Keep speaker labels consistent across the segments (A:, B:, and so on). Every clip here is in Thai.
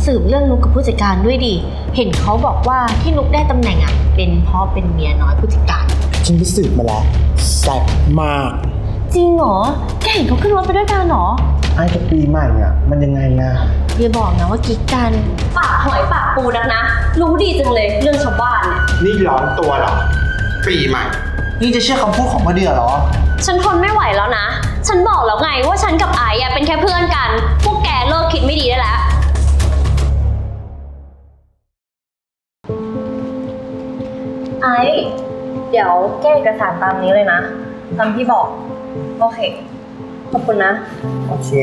A: สืบเรื่องนุกกับผู้จัดการด้วยดิเห็นเขาบอกว่าที่นุกได้ตำแหน่งอ่ะเป็นเพราะเป็นเมียน้อยผู้จัดการ
B: ฉันไปสืบมาแล้วแซ่บมาก
A: จริงเหรอแกเห็นเขาขึ้นรถไปด้วยกันเหรอ
B: ไอ้กับปีใหม่อ่ะมันยังไงอะ
A: อย่าบอกนะว่ากิ๊กกัน
C: ปากหอยปากปูนักนะรู้ดีจังเลยเรื่องชาวบ้านเนี่ย
B: นี่ร้อนตัวเหรอปีใหม่นี่จะเชื่อคำพูดของมะเดื่อเหรอ
C: ฉันทนไม่ไหวแล้วนะฉันบอกแล้วไงว่าฉันกับไอ้เป็นแค่เพื่อนกันพวกแกเลิกคิดไม่ดีได้แล้วไอ้เดี๋ยวแก้เอกสารตามนี้เลยนะตามที่บอกโอเคขอบคุณนะ
B: โอเค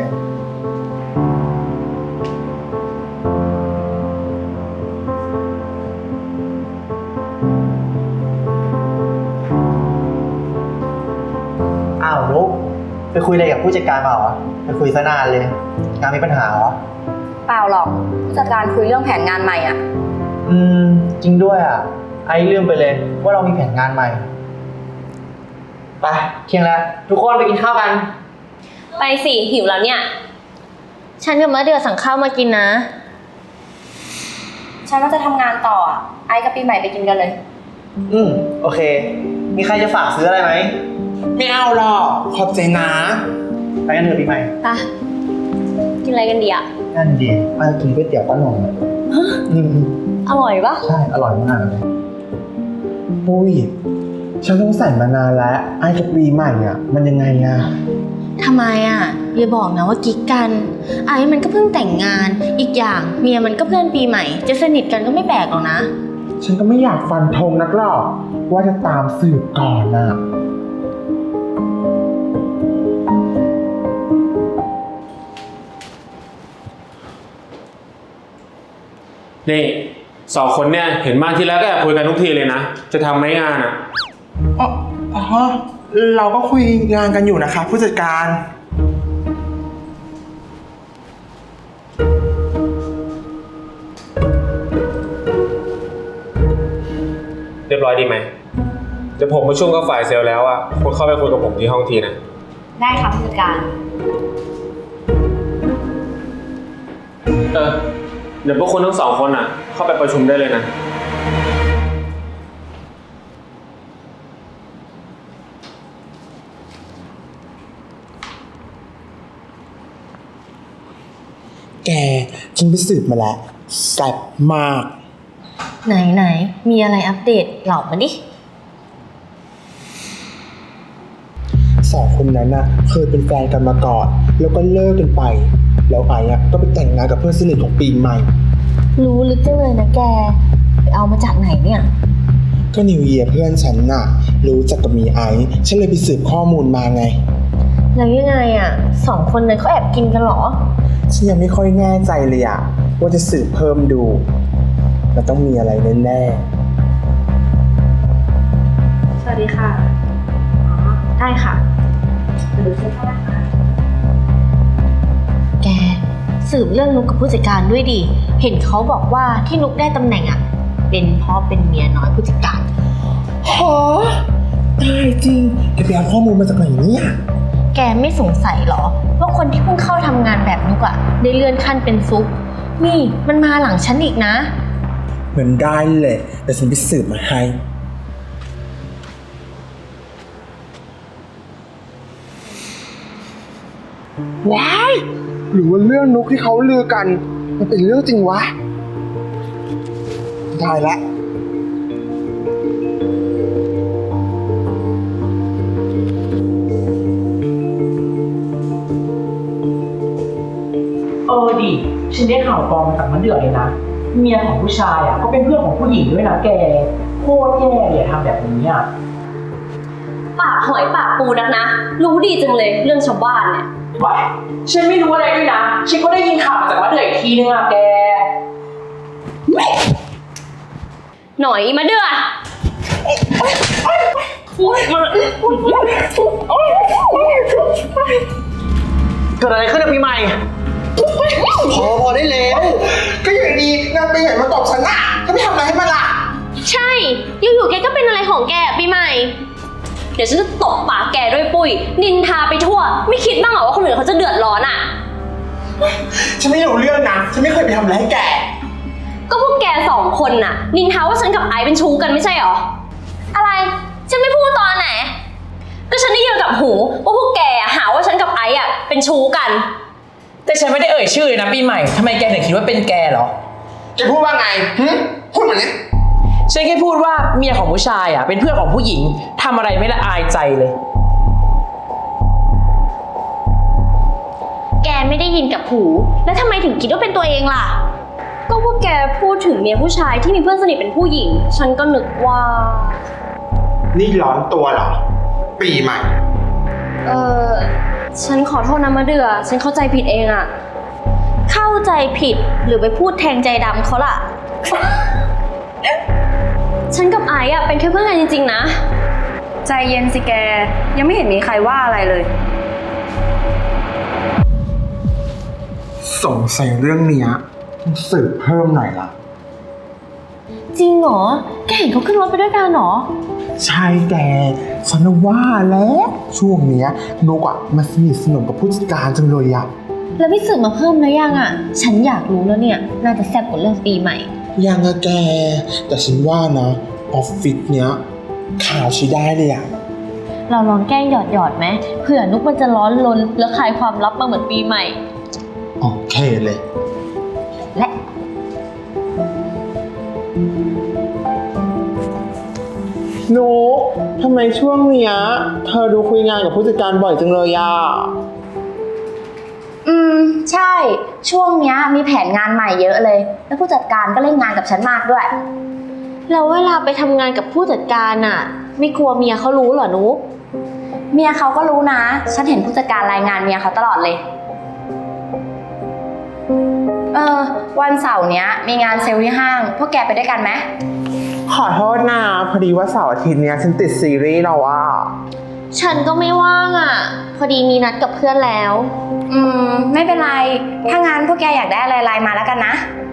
B: อ้าวนุ๊กไปคุยอะไรกับผู้จัดการมาเหรอไปคุยซะนานเลยงานมีปัญหาเหรอ
C: เปล่าหรอกผู้จัดการคุยเรื่องแผนงานใหม่อ่ะ
B: จริงด้วยอ่ะไอ้ลืมไปเลยว่าเรามีแผนงานใหม่ไปเที่ยงแล้วทุกคนไปกินข้าวกัน
C: ไปสิหิวแล้วเนี่ย
A: ฉันกับมะเดือสั่งข้าวมากินนะ
C: ฉันว่าจะทำงานต่อไอ้กับปีใหม่ไปกินกันเลย
B: โอเคมีใครจะฝากซื้ออะไรไหมไม่เอาหรอกขอบใจนะไปกันเถอะปีใหม่
C: ไปกินอะไรกันดีอ่ะ
B: นั่นดีมากินก๋วยเตี๋ยวป้าหน่อง
C: อร่อยปะ
B: ใช่อร่อยมากเลยปุ้ยฉันสงสัยมานานแล้วไอ้กับปีใหม่อ่ะมันยังไงอ่ะ
A: ทำไมอ่ะอย่าบอกนะว่ากิ๊กกันไอ้มันก็เพิ่งแต่งงานอีกอย่างเมียมันก็เพื่อนปีใหม่จะสนิทกันก็ไม่แปลกหรอกนะ
B: ฉันก็ไม่อยากฟันธงนักหรอกว่าจะตามสืบก่อนน่ะ
D: นี่สองคนเนี่ยเห็นมาที่แล้วก็แอบคุยกันทุกทีเลยนะจะทำไหมงานอ่ะ
B: อ๋อเราก็คุยงานกันอยู่นะคะผู้จัดการ
D: เรียบร้อยดีไหมเดี๋ยวผมประชุมกับฝ่ายเซลล์แล้วอ่ะคุณเข้าไปคุยกับผมที่ห้องทีนะ
C: ได้ครับผู้จัดการ
D: เดี๋ยวพวกคุณทั้งสองคนอ่ะเข้าไปประชุมได้เลยนะ
B: แกฉันไปสืบมาแล้วแซ่บมาก
A: ไหนมีอะไรอัปเดตเล่ามาดิ
B: สองคนนั้นน่ะเคยเป็นแฟนกันมาก่อนแล้วก็เลิกกันไปแล้วไอ้อะก็ไปแต่งงานกับเพื่อนสนิทของปีใหม่
A: รู้ลึกจังเลยนะแกไปเอามาจากไหนเนี่ย
B: ก็นิวเยียร์เพื่อนฉันน่ะรู้จักกับมีไอ้ฉันเลยไปสืบข้อมูลมาไง
A: แล้วยังไงอ่ะสองคนนั้นเขาแอบกินกันหรอ
B: ฉันยังไม่ค่อยแน่ใจเลยอะว่าจะสืบเพิ่มดูมันต้องมีอะไรแน่
C: ๆสวัสดีค่ะได้ค่ะดูเสื้อผ้าค่ะ
A: แกสืบเรื่องนุกกับผู้จัดการด้วยดิเห็นเขาบอกว่าที่นุกได้ตำแหน่งอ่ะเป็นเพราะเป็นเมียน้อยผู้จัดการ
B: ฮะตายจริงแกไปเอาข้อมูลมาจากไหนเนี่ย
A: แกไม่สงสัยหรอว่าคนที่เพิ่งเข้าทำงานแบบนุกอ่ะได้เลื่อนขั้นเป็นซุปนี่มันมาหลังฉันอีกนะ
B: เหมือนได้เลยแต่ฉันไปสืบมาให้ว้ายหรือว่าเรื่องนุกที่เขาลือกันมันเป็นเรื่องจริงวะได้ละ
E: ดิฉันได้ข่าวปลอมมาจากมะเดื่อเลยนะเมียของผู้ชายอ่ะก็เป็นเพื่อนของผู้หญิงด้วยนะแกโคตรแย่เลยทำแบบนี้อ่ะ
C: ปากหอยปากปูนักนะรู้ดีจังเลยเรื่องชาวบ้านเนี่ย
E: ว้ายฉันไม่รู้อะไรด้วยนะฉันก็ได้ยินข่าวมาจากมะเดื่ออีกทีนึงอ่ะแก
C: หน่อยมะเดื่อ
B: เกิดอะไรขึ้นกับปีใหม่พอได้แล้วก็อย่างดีนางไปไหนมาตบฉันน่ะก็ไม่ทำอะไรให้มันล่ะ
C: ใช่อยู่ๆแกก็เป็นอะไรของแกปีใหม่เดี๋ยวฉันจะตบปากแกด้วยปุ้ยนินทาไปทั่วไม่คิดบ้างเหรอว่าคนอื่นเขาจะเดือดร้อนอ่ะ
B: ฉันไม่รู้เรื่องนะ ฉันไม่เคยไปทำอะไรให้แก
C: ก็พวกแกสองคนน่ะนินทาว่าฉันกับไอซ์เป็นชู้กันไม่ใช่หรอ อะไร ฉันไม่พูดตอนไหน ก็ฉันได้ยินกับหูว่าพวกแกหาว่าฉันกับไอซ์เป็นชู้กัน
E: แต่ฉันไม่ได้เอ่ยชื่อเลยนะปีใหม่ทำไมแกถึงคิดว่าเป็นแกเหรอ
B: แกพูดว่าไงพูดเหมือนนี้
E: ฉันแค่พูดว่าเมียของผู้ชายเป็นเพื่อนของผู้หญิงทำอะไรไม่ละอายใจเลย
A: แกไม่ได้ยินกับหู แล้วทำไมถึงคิดว่าเป็นตัวเองล่ะ
C: ก็พวกแกพูดถึงเมียผู้ชายที่มีเพื่อนสนิทเป็นผู้หญิง ฉันก็นึกว่า
B: นี่ร้อนตัวเหรอ ปีใหม่
C: ฉันขอโทษนะมะเดือฉันเข้าใจผิดเองอะ
A: เข้าใจผิดหรือไปพูดแทงใจดำเขาล่ะ
C: ฉันกับไอซ์เป็นแค่เพื่อนกันจริงๆนะ ใจเย็นสิแก ยังไม่เห็นมีใครว่าอะไรเลย
B: สงสัยเรื่องเนี้ยต้องสืบเพิ่มหน่อยละ
A: จริงเหรอ แกเห็นเขาขึ้นรถไปด้วยกันเหรอ
B: ใช่แกฉันว่าแล้วช่วงเนี้ยนกมาสนิทสนมกับผู้จัดการจังเลยอะ
A: แล้วพี่สืบมาเพิ่มแล้วยังอ่ะ ฉันอยากรู้แล้วเนี่ย น่าจะแซ่บกว่าเรื่องปีใหม่
B: ยังอะแก แต่ฉันว่านะออฟฟิศเนี้ยข่าวใช้ได้เลยอะ
A: เราลองแกล้งหยอดไหมเผื่อนุกมันจะร้อนรนแล้วคลายความลับมาเหมือนปีใหม่
B: โอเคเลย
A: และ
B: นกทำไมช่วงเนี้ยเธอดูคุยงานกับผู้จัดการบ่อยจังเลยอะ
F: ใช่ ช่วงเนี้ยมีแผนงานใหม่เยอะเลย แล้วผู้จัดการก็เล่นงานกับฉันมากด้วย
A: เราเวลาไปทำงานกับผู้จัดการอ่ะ ไม่กลัวเมียเขารู้เหรอนุก
F: เมียเขาก็รู้นะ ฉันเห็นผู้จัดการรายงานเมียเขาตลอดเลย วันเสาร์เนี้ยมีงานเซลล์ที่ห้าง พวกแกไปด้วยกันไหม
B: ขอโทษนะพอดีว่าเสาร์อาทิตย์เนี้ยฉันติดซีรีส์เราอะ
A: ฉันก็ไม่ว่างอ่ะ พอดีมีนัดกับเพื่อนแล้ว
F: ไม่เป็นไร ถ้างานพวกแกอยากได้อะไรไลน์มาแล้วกันนะ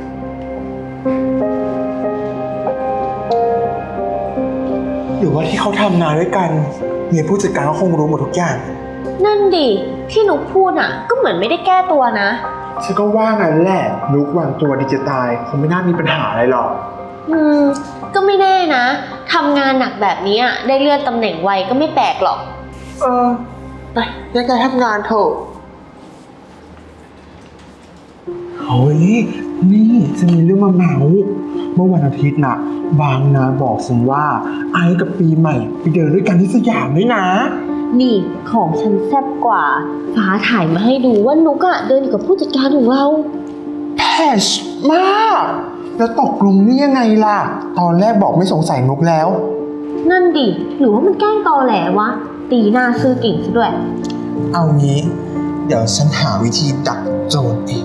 B: หรือว่าที่เขาทำงานด้วยกันเมียผู้จัดการก็คงรู้หมดทุกอย่าง
A: นั่นดิที่นุกพูดอ่ะ ก็เหมือนไม่ได้แก้ตัวนะ
B: ฉันก็ว่างั้นแหละนุกวางตัวดิจิตายคงไม่น่ามีปัญหาอะไรหรอก
A: ก็ไม่แน่นะทำงานหนักแบบนี้อะได้เลื่อนตำแหน่งไวก็ไม่แปลกหรอก
B: ไปแยกย้ายทำงานเถอะเฮ้ยนี่จะมีเรื่องมาเมาเมื่อวันอาทิตย์น่ะ บางนาบอกฉันว่าไอ้กับปีใหม่ไปเดินด้วยกันที่สยามด้วยนะ
A: นี่ของฉันแซ่บกว่า ฟ้าถ่ายมาให้ดูว่านุกอะเดินอยู่กับผู้จัดการของเรา
B: แพชมาก แล้วตกลงนี่ยังไงล่ะ ตอนแรกบอกไม่สงสัยนุกแล้ว
A: นั่นดิหรือว่ามันแกล้งตอแหลวะ ตีหน้าซื่อเก่งซะด้วย
B: เอางี้ เดี๋ยวฉันหาวิธีดักโจรเอง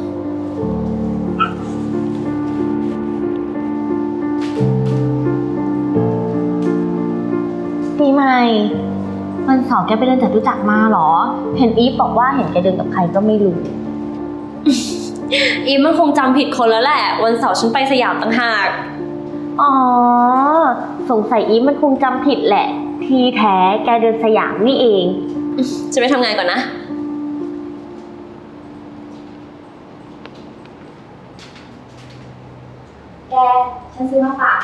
A: ปีใหม่วันเสาร์แกไปเดินจตุจักรมาเหรอ เห็นอีฟบอกว่าเห็นแกเดินกับใครก็ไม่รู้
C: อีฟมันคงจำผิดคนแล้วแหละ วันเสาร์ฉันไปสยามต่างหาก
A: อ๋อ สงสัยอีฟมันคงจำผิดแหละ ที่แท้แกเดินสยามนี่เอง
C: จะไปทำงานก่อนนะ
F: แก ฉันซื้อมาฝาก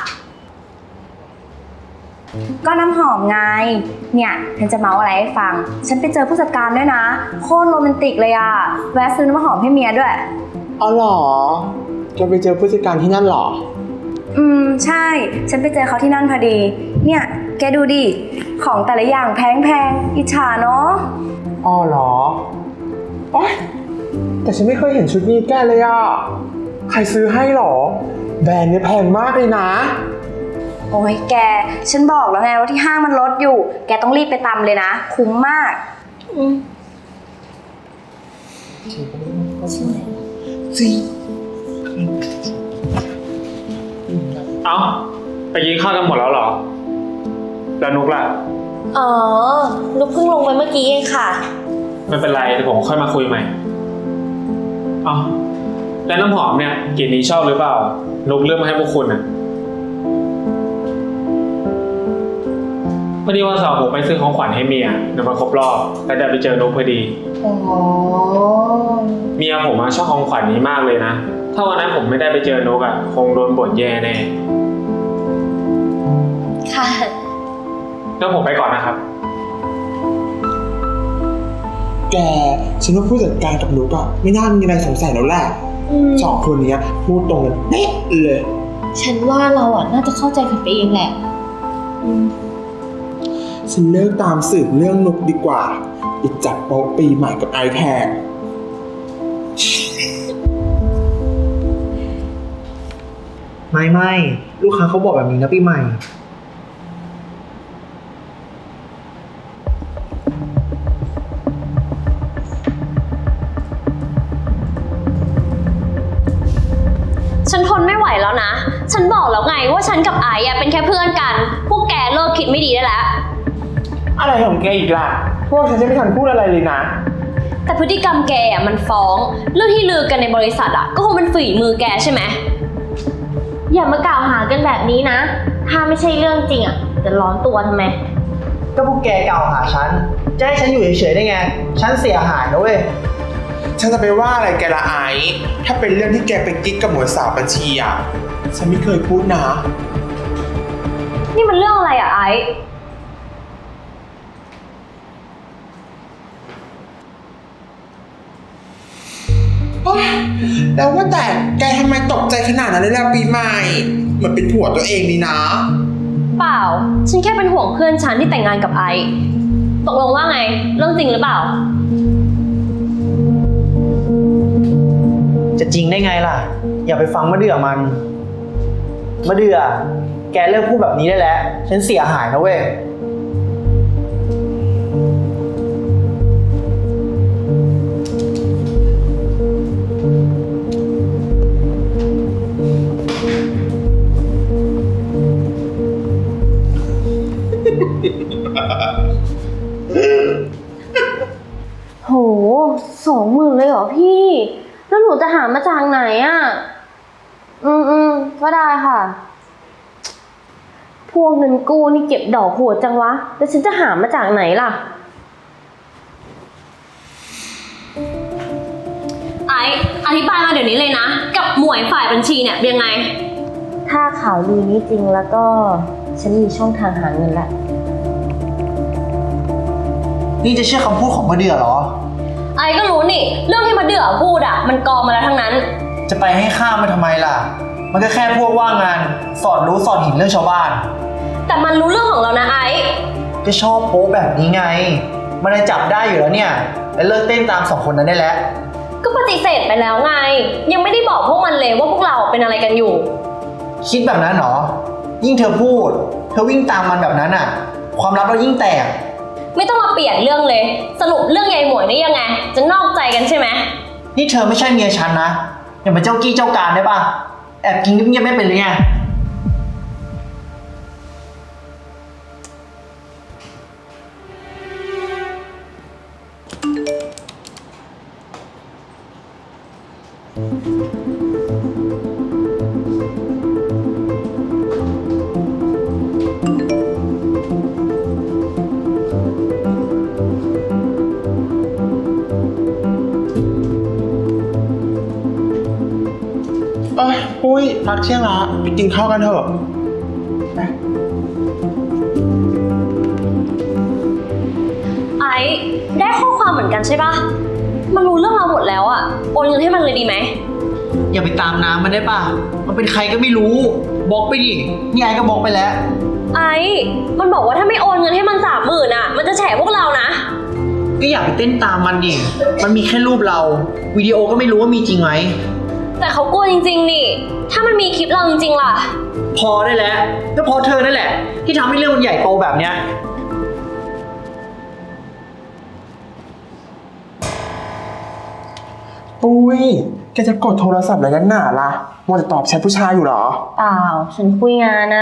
F: ก็น้ำหอมไง เนี่ยฉันจะเมาอะไรให้ฟัง ฉันไปเจอผู้จัดการด้วยนะ โคตรโรแมนติกเลยอะแวะซื้อน้ำหอมให้เมียด้วย
B: อ๋อเหรอ จะไปเจอผู้จัดการที่นั่นเหรอ
F: ใช่ ฉันไปเจอเขาที่นั่นพอดี เนี่ย แกดูดิ ของแต่ละอย่างแพงๆ อิจฉาเนาะ
B: อ๋อเหรอโอ๊ยแต่ฉันไม่เคยเห็นชุดนี้แกเลยอ่ะ ใครซื้อให้หรอ แบรนด์เนี่ยแพงมากเลยนะ
F: โอ้ยแก ฉันบอกแล้วไงว่าที่ห้างมันลดอยู่ แกต้องรีบไปตำเลยนะ คุ้มมาก
B: จริง
D: เอ้าไปกินข้าวกันหมดแล้วเหรอ แล้วนุกล่ะ
A: อ๋อ นุกเพิ่งลงไปเมื่อกี้เองค่ะ
D: ไม่เป็นไรเดี๋ยวผมค่อยมาคุยใหม่เอ้าแล้วน้ำหอมเนี่ยกลิ่นนี้ชอบหรือเปล่า นุกเลือกมาให้พวกคุณน่ะพอดีวันเสาร์ผมไปซื้อของขวัญให้เมียเดี๋ยวมาครบรอบแล้วได้ไปเจอนกพอดี
A: อ๋อ
D: เมียผมชอบของขวัญนี้มากเลยนะ ถ้าวันนั้นผมไม่ได้ไปเจอนกคงโดนบ่นแย่แน่
A: ค่ะ
D: งั้นผมไปก่อนนะครับ
B: แกฉันว่าผู้จัดการกับนุกไม่น่ามีอะไรสงสัยแล้วแหละสองคนนี้พูดตรงกันเป๊ะเลย
A: ฉันว่าเราน่าจะเข้าใจผิดไปเองแหละ
B: ฉันเลิกตามสืบเรื่องนุกดีกว่าไปจับโป๊ะปีใหม่กับไอแทน
E: ไม่ลูกค้าเขาบอกแบบนี้นะปีใหม่
C: ฉันทนไม่ไหวแล้วนะ ฉันบอกแล้วไงว่าฉันกับไอซ์เป็นแค่เพื่อนกัน พวกแกเลิกคิดไม่ดีได้แล้ว
B: อะไรของแกอีกล่ะพวกฉันจะไม่ทันพูดอะไรเลยนะ
C: แต่พฤติกรรมแกมันฟ้อง เรื่องที่ลือกันในบริษัทก็คงเป็นฝีมือแกใช่ไหม
A: อย่ามากล่าวหากันแบบนี้นะ ถ้าไม่ใช่เรื่องจริงจะร้อนตัวทำไม
E: ก็พวกแกกล่าวหาฉัน จะให้ฉันอยู่เฉยๆได้ไง ฉันเสียหายนะเว้ย
B: ฉันจะไปว่าอะไรแกละไอซ์ถ้าเป็นเรื่องที่แกไปกิ๊กกับหมวดสาวบัญชีฉันไม่เคยพูดนะ
C: นี่มันเรื่องอะไรไอซ์
B: แล้วว่าแต่แกทำไมตกใจขนาดนั้นเลยล่ะปีใหม่เหมือนเป็นผัวตัวเองนี่นะ
C: เปล่า ฉันแค่เป็นห่วงเพื่อนฉันที่แต่งงานกับไอซ์ตกลงว่าไง เรื่องจริงหรือเปล่า
E: จะจริงได้ไงล่ะ อย่าไปฟังมะเดื่อมันมะเดื่อแกเลิกพูดแบบนี้ได้แล้ว ฉันเสียหายนะเว้ย
A: โห20,000เลยเหรอพี่ แล้วหนูจะหามาจากไหนก็ได้ค่ะ พวกเงินกู้นี่เก็บดอกโหดจังวะ แล้วฉันจะหามาจากไหนล่ะ
C: ไอซ์อธิบายมาเดี๋ยวนี้เลยนะ กับหมวยฝ่ายบัญชีเนี่ยเป็นยังไง
A: ถ้าข่าวลือนี้จริงแล้วก็ ฉันมีช่องทางหาเงินละ
E: นี่จะเชื่อคำพูดของมะเดื่อเหรอ
C: ไอซ์ก็รู้นี่ เรื่องที่มาเดือพูดมันกองมาแล้วทั้งนั้น
E: จะไปให้ข้ามมันทำไมล่ะ มันก็แค่พวกว่างงาน สอนรู้สอนเห็นเรื่องชาวบ้าน
C: แต่มันรู้เรื่องของเรานะไอซ์
E: ก็ชอบโป๊แบบนี้ไง มันเลยจับได้อยู่แล้วเนี่ย แล้วเลิกเต้นตามสองคนนั้นได้แล้ว
C: ก็ปฏิเสธไปแล้วไง ยังไม่ได้บอกพวกมันเลยว่าพวกเราเป็นอะไรกันอยู่
E: คิดแบบนั้นเหรอ ยิ่งเธอพูด เธอวิ่งตามมันแบบนั้นความลับเรายิ่งแตก
C: ไม่ต้องมาเปลี่ยนเรื่องเลย สรุปเรื่องยายหมวยนี่ยังไง จะนอกใจกันใช่ไหม
E: นี่เธอไม่ใช่เมียฉันนะ อย่ามาเจ้ากี้เจ้าการได้ป่ะ แอบกินเงียบๆไม่เป็นเลยไง
B: ปุ้ยพักเที่ยงละไปกินข้าวกันเถอะไป
C: ไอซ์ได้ข้อความเหมือนกันใช่ปะมันรู้เรื่องเราหมดแล้วโอนเงินให้มันเลยดีไหม
E: อย่าไปตามน้ำมันได้ป่ะ มันเป็นใครก็ไม่รู้ บล็อกไปดิ นี่ไอ้ก็บล็อกไปแล้ว
C: ไอซ์มันบอกว่าถ้าไม่โอนเงินให้มัน30,000มันจะแฉพวกเรานะ
E: ก็อย่าไปเต้นตามมันดิ มันมีแค่รูปเรา วิดีโอก็ไม่รู้ว่ามีจริงไหม
C: แต่เขากลัวจริงๆนี่ ถ้ามันมีคลิปเราจริงๆล่ะ
E: พอได้แล้วก็เพราะเธอนั่นแหละ ที่ทำให้เรื่องมันใหญ่โตแบบเนี้ย
B: ปุ้ยแกจะกดโทรศัพท์อะไรกันหนาล่ะมัวแต่ตอบแชทผู้ชายอยู่เหรอ
A: เปล่า ฉันคุยงาน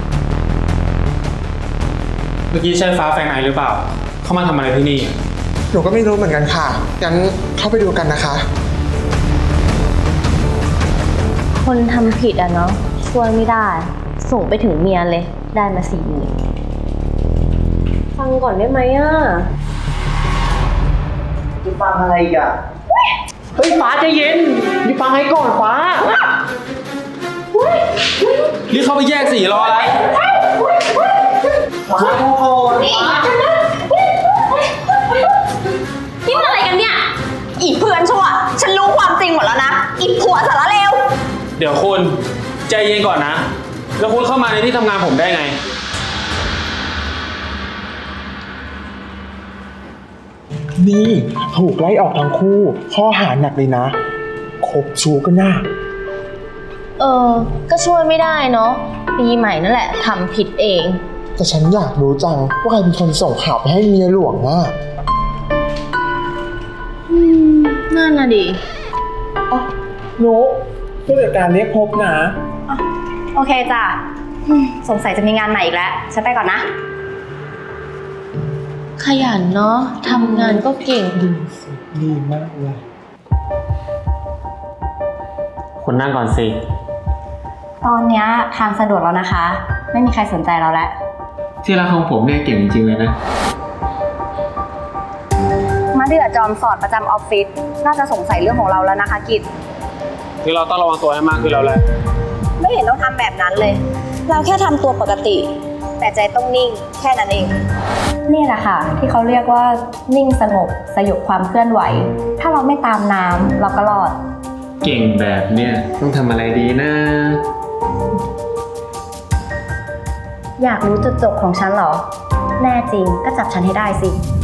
D: เมื่อกี้ใช่ฟ้าแฟนไอหรือเปล่า เข้ามาทำอะไรที่นี่
B: มนูก็ไม่รู้เหมือนกันค่ะ งั้นเข้าไปดูกันนะคะ
A: คนทำผิดอะเนาะช่วยไม่ได้ ส่งไปถึงเมียเลย ได้มา40,000ฟังก่อนได้ไหมอะ
E: จะฟังอะไรอีกอ่ะ เฮ้ยฟ้าใจเย็นมีฟังให้ก่อนฟ้า
D: รีบเข้าไปแยกสีรออะไร
E: ฟ้าโทษฟ้า
C: นี่มันอะไรกันเนี่ย อีเพื่อนชั่ว ฉันรู้ความจริงหมดแล้วนะ อีผัวสารเลว
D: เดี๋ยวคุณใจเย็นก่อนนะ แล้วคุณเข้ามาในที่ทำงานผมได้ไง
B: นี่ถูกไล่ออกทั้งคู่ ข้อหาหนักเลยนะคบชู้ก็น่า
A: ก็ช่วยไม่ได้เนาะปีใหม่นั่นแหละทำผิดเอง
B: แต่ฉันอยากรู้จังว่าใครเป็นคนส่งข่าวไปให้เมียหลวงอ่ะ
A: นั่นน่ะดิ
B: นุกผู้จัดการเรียกพบนะ
F: โอเคจ้ะสงสัยจะมีงานใหม่อีกแล้ว ฉันไปก่อนนะ
A: ขยันเนาะทำงานก็เก่ง
B: ดีมากเลย
D: คุณนั่งก่อนสิ
F: ตอนเนี้ยทางสะดวกแล้วนะคะ ไม่มีใครสนใจเราแล้ว
D: ที่รักของผมเนี่ยเก่งจริงๆเลยนะ
F: มาเดือจอมสอดประจำออฟฟิศน่าจะสงสัยเรื่องของเราแล้วนะคะกิจ
D: คือเราต้องระวังตัวให้มากขึ้นแล้วแหละ
F: ไม่เห็นต้องทำแบบนั้นเลย เราแค่ทำตัวปกติ แต่ใจต้องนิ่งแค่นั้นเอง นี่แหละค่ะ ที่เขาเรียกว่านิ่งสงบสยบความเคลื่อนไหว ถ้าเราไม่ตามน้ำเราก็รอด
D: เก่งแบบเนี่ยต้องทำอะไรดีนะ
F: อยากรู้จุดจบของฉันเหรอ แน่จริงก็จับฉันให้ได้สิ